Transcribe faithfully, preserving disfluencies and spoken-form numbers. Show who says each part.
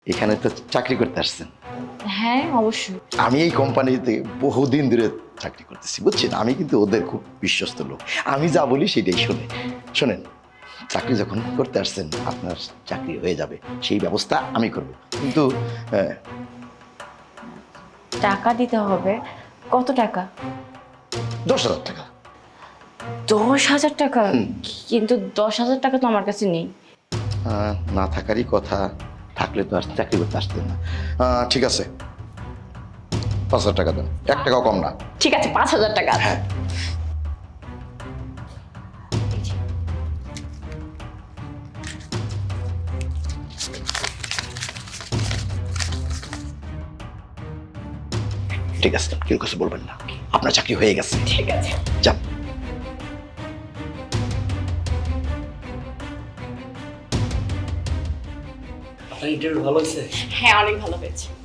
Speaker 1: এখানে তো চাকরি করতে আসছেন।
Speaker 2: হ্যাঁ অবশ্যই।
Speaker 1: আমি এই কোম্পানিতে বহুদিন ধরে চাকরি করতেছি, বুঝছেন? আমি কিন্তু ওদের খুব বিশ্বস্ত লোক। আমি যা বলি সেটাই শোনে। শোনেন, চাকরি যখন করতে আসছেন আপনার চাকরি হয়ে যাবে, সেই ব্যবস্থা আমি করব। কিন্তু আহ,
Speaker 2: টাকা দিতে হবে। কত টাকা?
Speaker 1: দশ হাজার টাকা।
Speaker 2: দশ হাজার টাকা? কিন্তু দশ হাজার টাকা তো আমার কাছে নেই।
Speaker 1: আহ, না থাকারই কথা, থাকলে তো আর চাকরি করতে আসতেন না। আহ, ঠিক আছে, পাঁচ হাজার টাকা দেন, এক টাকাও কম না।
Speaker 2: ঠিক আছে, পাঁচ হাজার টাকা আছে।
Speaker 1: হ্যাঁ। ঠিক আছে, কেউ কিছু বলবেন না, আপনার চাকরি হয়ে গেছে।
Speaker 2: ঠিক আছে।
Speaker 1: যান।
Speaker 3: আপনার ইন্টারভিউ ভালো হয়েছে?
Speaker 2: হ্যাঁ অনেক ভালো হয়েছে।